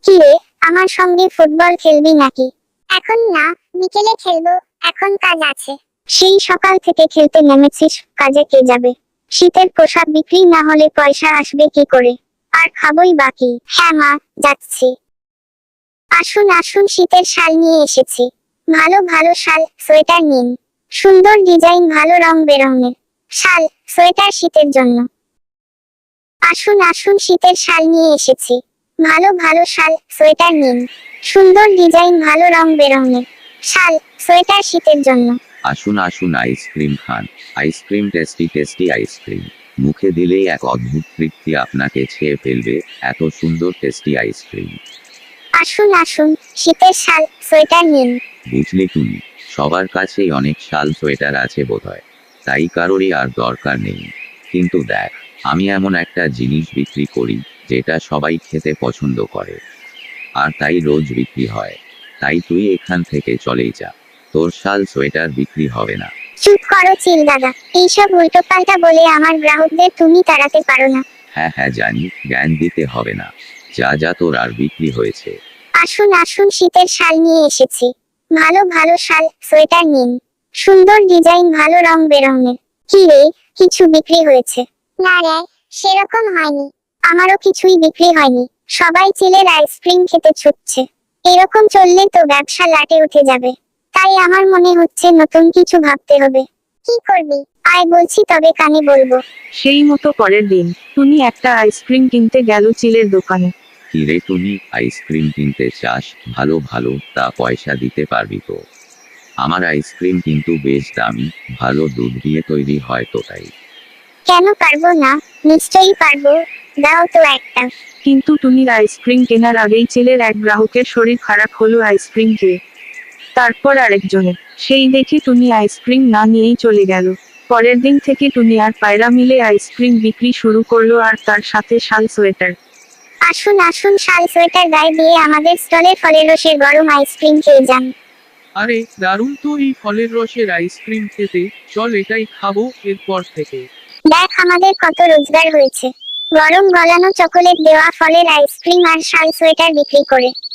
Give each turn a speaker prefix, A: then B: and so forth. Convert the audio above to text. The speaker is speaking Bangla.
A: কি রে, আমার সঙ্গে ফুটবল খেলবি নাকি? এখন না, বিকেলে খেলবো, এখন কাজ আছে। সেই সকাল থেকে খেলতে নেমেছিস, কাজে কে যাবে? শীতের পোশাক বিক্রি না হলে পয়সা আসবে কি করে? আর খাবই বাকি। হ্যাঁ মা, যাচ্ছি। আসুন আসুন, শীতের শাল নিয়ে এসেছি। ভালো ভালো শাল, সোয়েটার নিন। সুন্দর ডিজাইন, ভালো রং বেরঙের শাল, সোয়েটার শীতের জন্য। আসুন আসুন, শীতের শাল নিয়ে এসেছি। ভালো ভালো শাল, সোয়েটার নিন। সুন্দর ডিজাইন, ভালো রং বেরঙের শাল, সোয়েটার শীতের জন্য।
B: আসুন আসুন, আইসক্রিম খান। Ice cream, tasty tasty ice cream. মুখে দিলেই এক অদ্ভুত তৃপ্তি আপনাকে ছেয়ে ফেলবে, এত সুন্দর টেস্টি আইসক্রিম।
A: আসুন আসুন, শীতের শাল, সোয়েটার নিন।
B: বুঝলি তুমি, সবার কাছেই অনেক শাল সোয়েটার আছে বোধহয়, তাই কারোরই আর দরকার নেই। কিন্তু দেখ, আমি এমন একটা জিনিস বিক্রি করি যেটা সবাই খেতে পছন্দ করে, আর তাই রোজ বিক্রি হয়। তাই তুই এখান থেকে চলেই যা, তোর শাল সোয়েটার বিক্রি হবে না।
A: চুপ করো চিল দাদা, এইসব উল্টোপাল্টা বলে আমার গ্রাহকদের তুমি তাড়াতে পারো না।
B: হ্যাঁ হ্যাঁ জানি, জ্ঞান দিতে হবে না। যা যা, তোর আর বিক্রি হয়েছে।
A: আসুন আসুন, শীতের শাল নিয়ে এসেছি। ভালো ভালো শাল, সোয়েটার নিন। সুন্দর ডিজাইন, ভালো রং বেরঙের। কি রে, কিছু বিক্রি হয়েছে? না রে, সেরকম হয়নি। আমারও কিছুই বিক্রি হয়নি। সবাই চিলের আইসক্রিম খেতে ছুটছে। এরকম চললে তো ব্যবসা লাটে উঠে যাবে। তাই আমার মনে হচ্ছে নতুন কিছু ভাবতে হবে। কি করবি? আয় বলছি, তবে কানে বলবো।
C: সেই মতো পরের দিন টুনি একটা আইসক্রিম কিনতে গেল চিলের দোকানে।
B: কি রে টুনি, আইসক্রিম কিনতে চাস? ভালো ভালো, তা পয়সা দিতে পারবি তো? আমার আইসক্রিম কিন্তু বেশ দামি, ভালো দুধ দিয়ে তৈরি হয় তো তাই।
A: কেন পারবো না? নিশ্চয়ই পারবো। দাও তো একটা।
C: কিন্তু টুনির আইসক্রিম কেনার আগেই চিলের এক গ্রাহকের শরীর খারাপ হলো আইসক্রিম খেয়ে। তারপর আরেকজনের। সেই দেখে টুনি আইসক্রিম না নিয়েই চলে গেল। পরের দিন থেকে টুনি আর পায়রা মিলে আইসক্রিম বিক্রি শুরু করলো, আর তার সাথে শাল সোয়েটার।
A: আসুন আসুন, শাল সোয়েটার গায়ে দিয়ে আমাদের স্টলে ফলের রসের গরম আইসক্রিম খেয়ে যান।
D: আরে দারুণ তো এই ফলের রসের আইসক্রিম খেতে, চল এটাই খাবো এরপর থেকে।
A: দেখ আমাদের কত রোজগার হয়েছে, গরম গলানো চকোলেট দেওয়া ফলের আইসক্রিম আর শাল সোয়েটার বিক্রি করে।